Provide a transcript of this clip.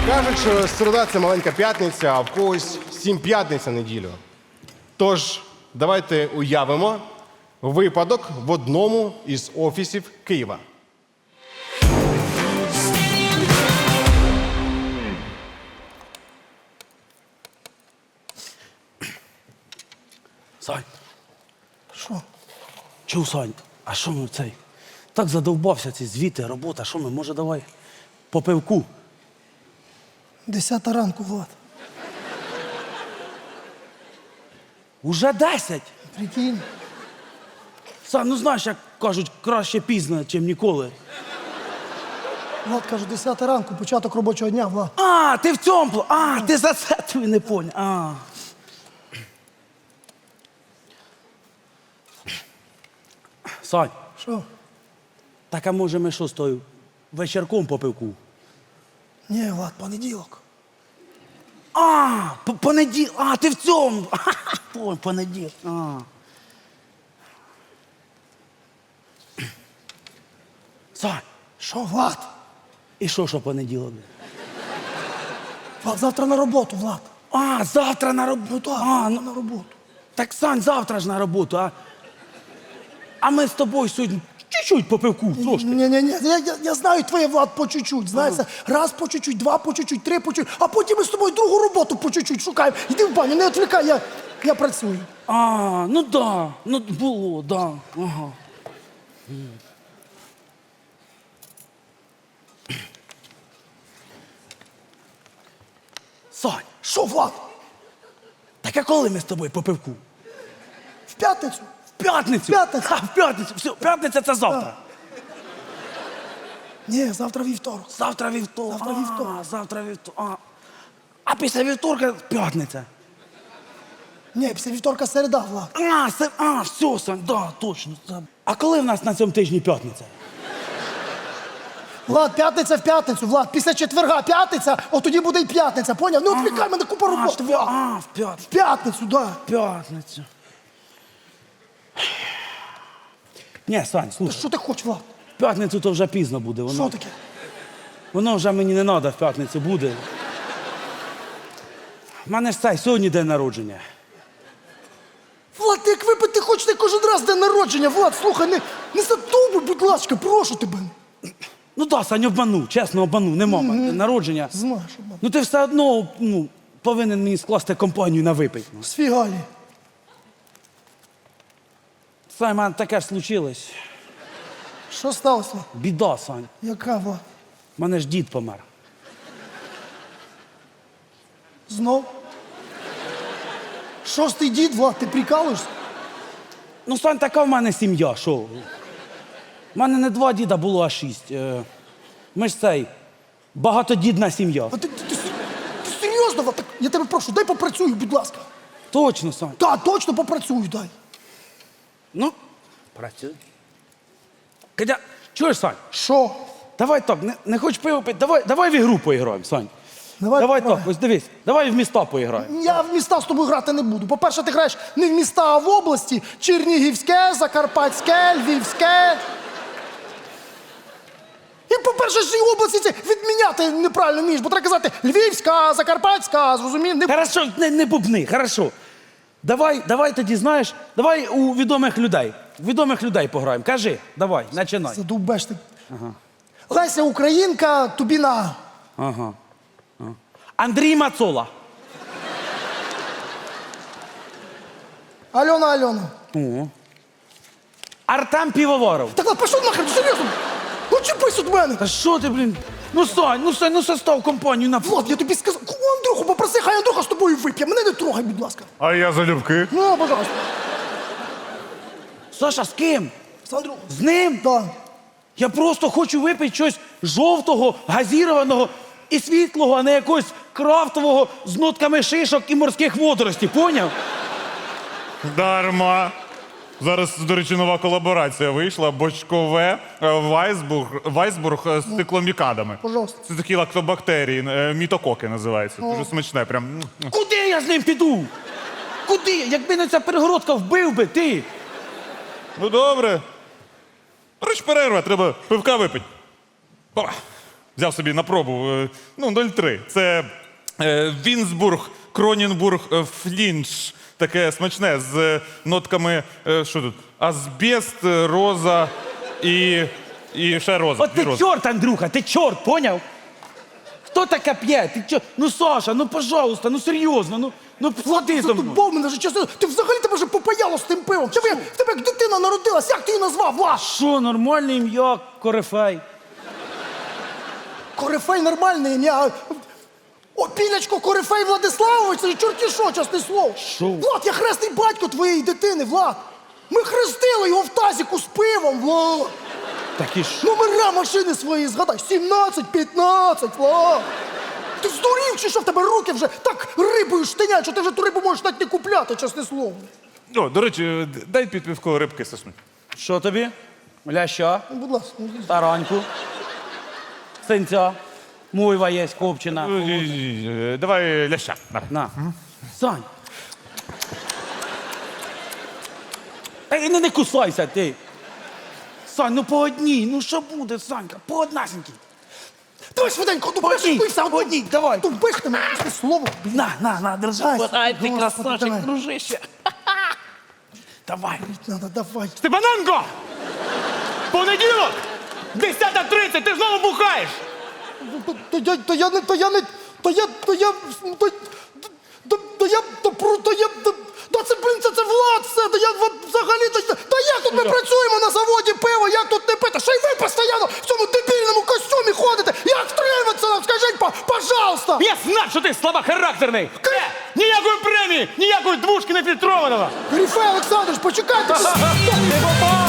Кажуть, що середа – це маленька п'ятниця, а в когось 7 п'ятниць на неділю. Тож, давайте уявимо випадок в одному із офісів Києва. Сань, Що? чув, Сань, а що ми цей? Так задовбався ці звіти, робота, що ми, може, давай по пивку? 10 ранку, Влад. Уже 10? Прикинь. Сань, ну знаєш, як кажуть, краще пізно, чим ніколи. Влад каже, 10 ранку, початок робочого дня, Влад. А, ти в цьому, ти за це ти не поняв. Сань, Що? так а може ми що з тою вечірком по пивку? Ні, Влад, понеділок. Понеділок, ти в цьому. Ой, понеділок. Сань, Що, Влад? і що понеділок? Влад, завтра на роботу, Влад. Завтра на роботу. Так, на роботу. Так, Сань, завтра ж на роботу, а ми з тобою сьогодні чуть-чуть по пивку, трошки. Ні, я знаю твоє, Влад, по чуть-чуть. Знаєш, раз по чуть-чуть, два по чуть-чуть, три по чуть-чуть, а потім ми з тобою другу роботу по чуть-чуть шукаємо. Йди в баню, не відвлікай, я працюю. Ну да, ну було, да. Ага. Сань, Що, Влад? так а коли ми з тобою по пивку? В п'ятницю? В п'ятницю? П'ятницю. В п'ятницю. Все, п'ятниця це завтра. Ні, завтра вівторок. Завтра вівторок. Завтра вівторок. Завтра вівторок. А після вівторка п'ятниця. Ні, після вівторка середа, Влад. Все, Сань, да, точно. А коли в нас на цьому тижні п'ятниця? Влад, п'ятниця в п'ятницю, Влад. Після четверга п'ятниця, от тоді буде й п'ятниця, поняв? Не відвлікай мене, купа роботи, Влад. В В п'ятницю. п'ятницю, да. П'ятницю. Ні, Сань, Та слухай, що ти хочеш, Влад? в п'ятницю то вже пізно буде. Що таке? Воно вже мені не треба в п'ятницю буде. У мене ж сьогодні день народження. Влад, ти як випити хочете кожен раз день народження, Влад, слухай, не задовбуй, будь ласка, прошу тебе. Ну так, Сань, обманув, чесно обманув, нема в мене день народження. Знаєш, обман. Ну ти все одно повинен мені скласти компанію на випить. Сфігалі. Сань, в мене таке ж случилось. Що сталося? Біда, Сань. Яка, Влад? У мене ж дід помер. Знов? Шостий дід, Влад, ти прикалуєшся? Ну, Сань, така в мене сім'я, що? У мене не 2 діда було, а 6. Ми ж багатодідна сім'я. А ти серйозно, Влад? Так, я тебе прошу, дай попрацюю, будь ласка. Точно, Сань. Так, точно попрацюю, дай. Ну, працюй. Кадя, чуєш, Сань? Що? Давай так, не хочеш пиво пити, давай в ігру поіграємо, Сань. Давай так, пограємо. ось дивись, давай в міста поіграємо. Я в міста з тобою грати не буду. По-перше, ти граєш не в міста, а в області. Чернігівське, Закарпатське, Львівське. І, по-перше, ж і області ці відміняти неправильно вмієш, бо треба казати Львівська, Закарпатська, зрозумів? Не... Хорошо, не бубни, хорошо. Давай тоді, знаєш, давай у відомих людей. Відомих людей пограємо. Кажи, давай, починай. Задовбеш ти. Ага. Леся Українка, тобі на. Ага. Андрій Мацола. Альона. Артем Півоваров. Так, ладно, пішов нахер, серйозно. Ну чіпись від мене. Та що ти, блін? Ну, Сань, ну состав компанію на... Влад, я тобі сказав, Андрюху попроси, хай Андрюха з тобою вип'є. Мене не трогай, будь ласка. А я залюбки. Ну, пожалуйста. Саша, з ким? З Андрюхом. З ним? Так. Я просто хочу випити щось жовтого, газірованого і світлого, а не якогось крафтового з нотками шишок і морських водоростей, поняв? Дарма. Зараз, до речі, нова колаборація вийшла. Бочкове Вайсбург з цикломікадами. Пожалуйста. Це такі лактобактерії, мітококи називаються. Дуже смачне, прям. Куди я з ним піду? Куди? Якби не ця перегородка, вбив би ти. Ну добре. Річ перерва, треба пивка випити. Опа. взяв собі на пробу. 0,3. Це Вінсбург, Кронінбург, Флінш. Таке смачне з нотками, що тут? Азбест, роза і ще роза. От Дві ти рози. чорт, Андрюха, ти чорт, поняв? Хто таке п'є? Ти чорт? Ну, Саша, ну, пожалуйста, ну, серйозно, ну, плати за мною. Задубав мене вже чесно. Ти взагалі тебе вже попаяло з тим пивом. В тебе як дитина народилась, як ти її назвав, Влад? Що, нормальне ім'я, корифей? Корифей нормальне ім'я. О, Пілячко, Корифей Владиславович, це ж чорті що, чесне слово. Що? Влад, я хресний батько твоєї дитини, Влад. Ми хрестили його в тазіку з пивом, Влад. Так і що? Номера машини свої згадай. 17-15, Влад. Ти здурів чи що в тебе руки вже так рибою штинять, що ти вже ту рибу можеш навіть не купляти, чесне слово. О, до речі, дай під півко рибки соснуть. Що тобі? Ляща, Ну, будь ласка. тараньку, синця, мойва є, копчена. Давай ляща. На. На. Сань. Ей, не кусайся ти. Сань, ну по одній, ну що буде, Санька, по однасінькій. Давай швиденько, ну По одній, пиши, по одній, давай. Ну пиши мене, чесне слово. На, держи. Ай, Ай, ти Господи, красавчик, давай. дружище. Давай. Надо, давай. Степаненко! Понеділок! 10:30, ти знову бухаєш! Це, блін, це Влад все, взагалі, як тут ми працюємо на заводі пиво, як тут не пити, ще й ви постійно в цьому дебільному костюмі ходите, як втриматися нам, скажіть, пожалуйста! Я знав, що ти слабохарактерний! Ніякої премії, ніякої двушки нефільтрованого! Грифей Олександрович, почекайте! Ти попав!